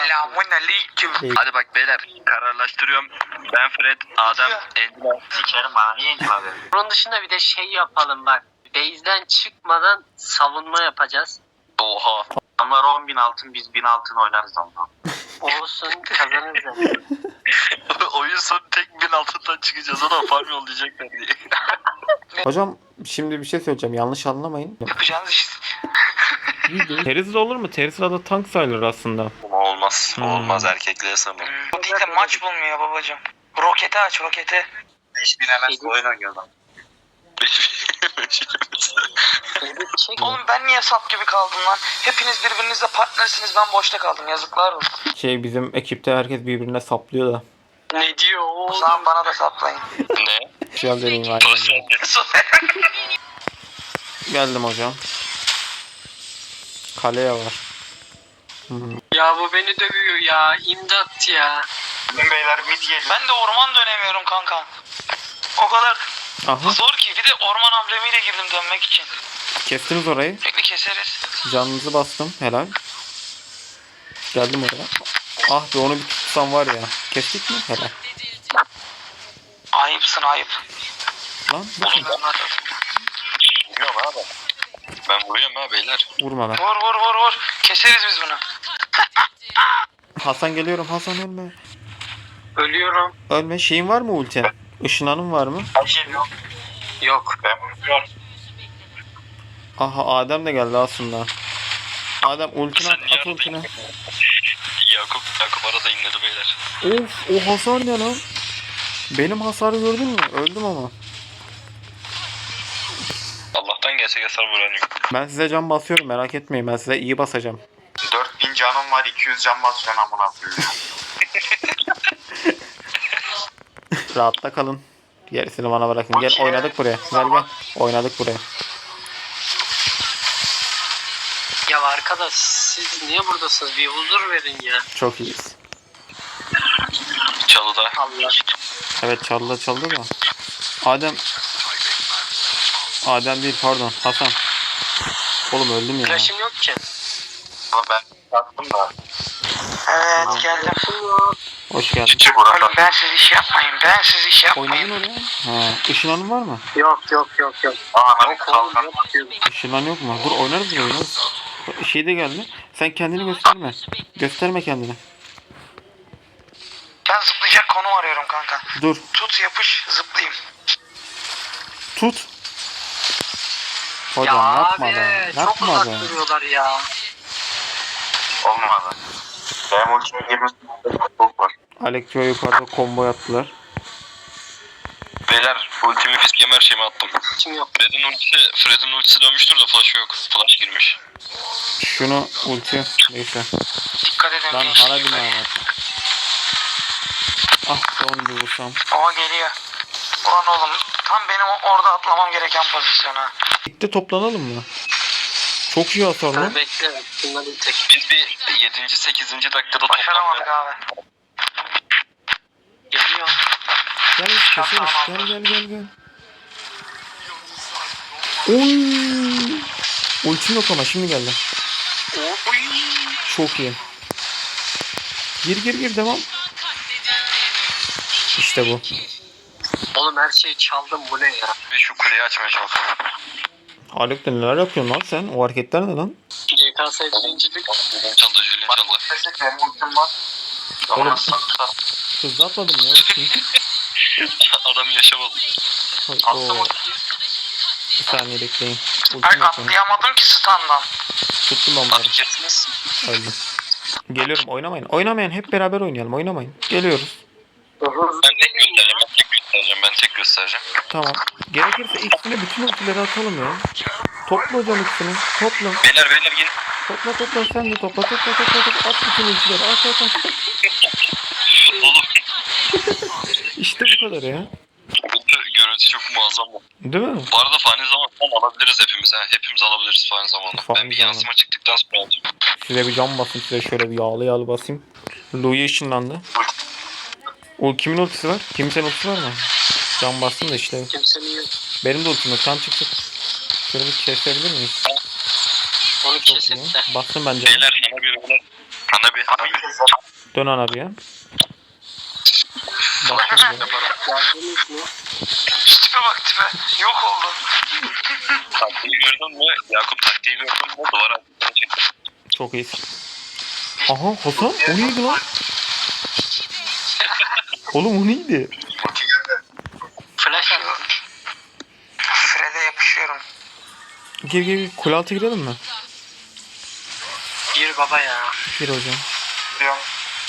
Selamünaleyküm. Hadi bak beyler, kararlaştırıyorum. Ben Fred, Adem, Angela. Sikerim bana niye Angela dedi? Bunun dışında bir de şey yapalım bak. Base'den çıkmadan savunma yapacağız. Oha. Onlar 10.000 altın, biz 1000 altın oynarız ama. Olsun, kazanırız yani. Oyun sonu tek 1000 altından çıkacağız. O da farm yollayacaklar diye. Hocam şimdi bir şey söyleyeceğim. Yanlış anlamayın. Yapacağınız iş. Terizla olur mu? Terizla da tank sayılır aslında. Olmaz. Hmm. Olmaz, erkekliğe sanırım. Bu değil de maç bulmuyor babacım. Roketi aç, roketi. 5000 MS oyun oynuyor lan. Çek. Oğlum ben niye sap gibi kaldım lan? Hepiniz birbirinizle partnersiniz, ben boşta kaldım, yazıklar olsun. Bizim ekipte herkes birbirine saplıyor da. Ne diyor O oğlum? zaman bana da saplayın. Ne? Güzel deneyim var. Geldim hocam. Kaleye var. Ya bu beni dövüyor ya. İmdat ya. Beyler mid geliyor. Ben de orman dönemiyorum kanka. O kadar Aha, zor ki, bir de orman amblemiyle girdim dönmek için. kestiniz orayı. Bekle keseriz. Canınızı bastım. Helal. Geldim oraya. Ah be, onu bir tutsam var ya. Kestik mi? Helal. Ayıpsın ayıp. Lan Oğlum ben Vuruyorum abi. Ben vuruyorum ha beyler. vurma lan. vur. Keseriz biz bunu. Hasan geliyorum. Hasan ölme. Ölüyorum. Ölme. Şeyin var mı ulti? Işınlanın var mı? Yok. Aha, Adem de geldi aslında. Adem ultini at ultini. Yakup arada inledi beyler. Of, o hasar ne lan? Benim hasarı gördün mü? Öldüm ama. Allah'tan gerçek hasar vuran yok. Ben size can basıyorum, merak etmeyin. Ben size iyi basacağım. 4000 canım var, 200 can basıyorsun amına koyayım. Rahatta kalın. Gerisini bana bırakın. Gel, oynadık buraya. Gel. Oynadık buraya. Ya arkadaş siz niye buradasınız? Bir huzur verin ya. Çok iyiyiz. Çalıda. Allah. Evet, çaldı da. Adem değil, pardon. Hasan. Oğlum öldüm ya. Flash'ım yok ki. Ama ben sattım da. Evet geldim. Hoş geldin. Oğlum ben siz iş yapmayın. Oynadın oraya. Ha, ışınlanın var mı? Yok. Aa Yok oğlum yok. Işınlan yok mu? Dur, oynarız buraya. Oynarız. Şey de geldi. Sen kendini gösterme. Gösterme kendini. Ben zıplayacak konum arıyorum kanka. Dur. Tut yapış zıplayayım. Tut. Hocam Ya yapma abi be. çok Yapma uzak be. duruyorlar ya. Olmadı. Benim ultime girmesin. Çok var. Alekio yukarıda combo yaptılar. Beyler ultimi fiskemi her şeyimi attım. Kim yok. Fred'in ultisi dönmüştür de flash yok. Flash girmiş. Şunu ulti. Neyse. Dikkat edin. Lan gençler. hara bina var. Ah, son bir vursam. Oha geliyor. Ulan oğlum tam benim orada atlamam gereken pozisyona. Birlikte toplanalım mı? Çok iyi hasar Ben lan. bekle. Bunları bir tek. Biz bir 7. 8. dakikada Başaramadık toplanmaya. abi. Geliyor. Gel keseriz. Gel. Oy. Ultim yok ama şimdi geldi. Çok iyi. Gir devam. İşte bu. Oğlum her şeyi çaldım bu ne ya? Bir şu kuleyi açmaya çalışıyorum. Haluk da neler yapıyorsun lan sen? O hareketler ne lan? GKS birincilik. Julian çaldı. Benim ultim var. Oğlum. Ama Hızlı atladım ya. Adam yaşamadı. Oo. Bir saniye bekleyin. Ultim Ay yok benim. atlayamadım ki standdan. Tuttum onları. Abi kestiniz. Öldüm. Geliyorum, oynamayın. Oynamayın, hep beraber oynayalım. Oynamayın. Geliyoruz. Ben tek göstereceğim. Tamam. Gerekirse ikisini, bütün ultileri atalım ya. Topla hocam ikisini. Topla. Beyler gelin. Topla sen de topla. At bütün ultileri. At. Oğlum. İşte bu kadar ya. Görüntü çok muazzam. Değil mi? Bu arada fani zaman alabiliriz hepimiz. Hepimiz alabiliriz fani zamanı. Fani Ben bir zamanı. yansıma çıktıktan sonra alacağım. Size bir cam basayım. Size şöyle bir yağlı basayım. Louis ışınlandı. O kimin ultisi var? Kimsenin ultisi var mı? Cam bastım da işte. Kimsenin yok. Benim de ultim yok. Can çıksın. Şöyle bir kesebilir miyiz? Onu Çok iyi. kesin de. Bastım bence. Beyler Hanabi. Dön ana bir ya. Başla bir de. Geldiniz mi? Tipe bak tipe. Yok oldu. Taktiği gördün mü? Yakup taktiği gördün mü? Duvara attığını çektim. Çok iyisin. Aha Hasan o neydi lan? Oğlum o neydi? Flash attım. Fred'e yapışıyorum. Gir gir kule altı girelim mi? Bir baba ya. Gir hocam. Diyorum.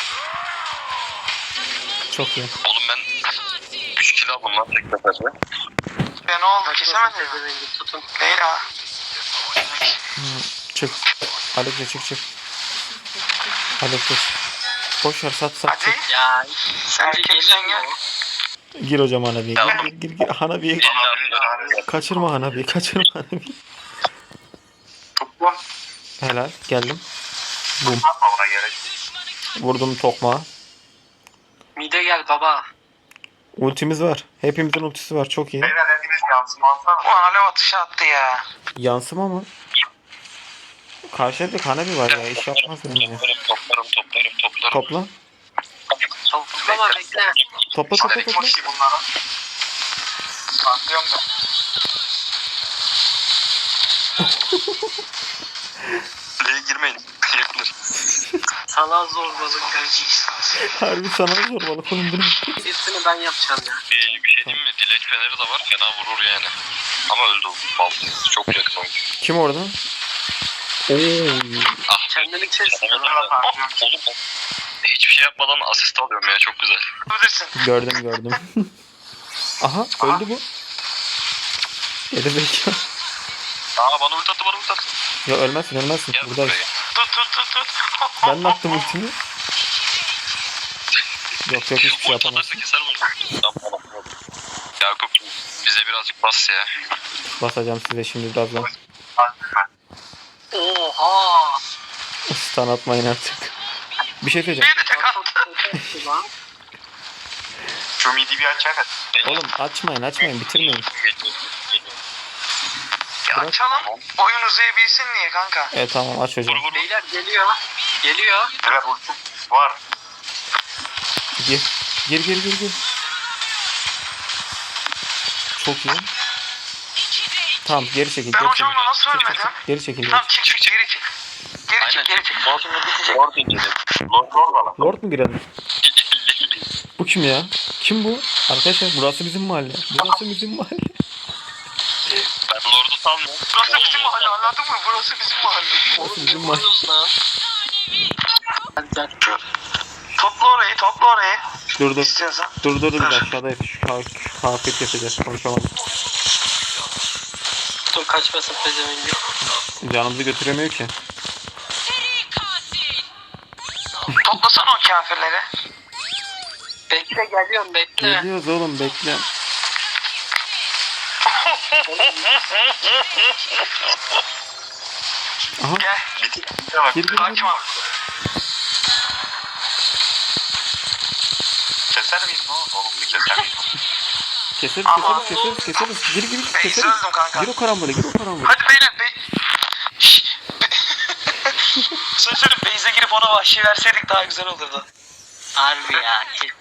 Çok iyi. Oğlum ben 3 kilo aldım lan tek seferde. Ya ne oldu kesemedin mi? Pezevengi tutun. Değil ha. Çık. Alex'e çık. Alex'e çık. Boş ver sat Hadi. çık. Ya sence Erkek gelir sen mi gel. o? Gir hocam Hanabi'ye. Gir. Hanabi'ye. 50 attım. Kaçırma Hanabi'yi. Kaçırma Hanabi'yi. Toplam. Helal. Geldim. Bum. Ona gerek. Vurdum tokmağa. Mide gel baba. Ultimiz var. Hepimizin ultisi var. Çok iyi. Beyler hepiniz yansıma alsana. Bu alev atışı attı ya. Yansıma mı? Karşıda bir Hanabi var ya. İş yapmaz bence. Toplarım. Topla. Toplama bekle. Topla. bunlara. Anlıyorum ben. Kuleye girmeyin. Yakılır. Sana zorbalık kardeşim. Harbi sana da zorbalık oğlum bu ne? Birisini ben yapacağım ya. Bir şey diyeyim mi? Dilek feneri de var. Fena vurur yani. Ama öldü o. Mal. Çok yakın oyun. Kim orada? Oo. Kendini kes. Oğlum ben hiçbir şey yapmadan asist alıyorum ya. Çok güzel. Bilirsin. Gördüm. Aha öldü bu. Geri zekalı. Bana ulti attı. Ya ölmezsin. Gel Buradayız. buraya. Tut. Ben de attım ultimi. Yok hiçbir şey Ulti yapamazsın. atarsa keser mi? Tamam. Yakup bize birazcık bas ya. Basacağım size şimdi birazdan. Oha. Stun atmayın artık. Bir şey söyleyeceğim. Bir de tek attı. Lan. Şu midi bir açar. Oğlum açmayın bitirmeyin. Ya Bırak. açalım. Oyun uzayabilsin diye kanka. Evet tamam aç hocam. Vur. Beyler geliyor. Evet ulti var. Gir. Çok iyi. Tamam geri çekil. Ben hocamla nasıl ölmedim? Geri çekil. Tamam çık geri çık. Geri çık. Lord incelim. Lord Lord mu girelim? Bu kim ya? Kim bu? Arkadaşlar burası bizim mahalle. Ben Lord'u salmıyorum. Burası bizim mahalle anladın mı? Burası bizim mahalle. Oğlum bizim ne var. vuruyorsun lan? Hadi gel. Topla orayı. Dur. İstiyorsan. Dur biz aşağıda şu kafet yapacağız. Konuşamadım. Dur kaçmasın pezevengi. Canımızı götüremiyor ki. Toplasana o kafirleri. Bekle geliyorum bekle. Geliyoruz oğlum bekle. Aha Gel. gir. Hakim abi. Keser miyiz ne olur? Oğlum bir keser miyiz? Keseriz. Gir Beyzi keseriz. öldüm kanka. Gir o karambole. Hadi beyler Söz söyleyeyim Beyze girip ona vahşi verseydik daha güzel olurdu. Harbi ya.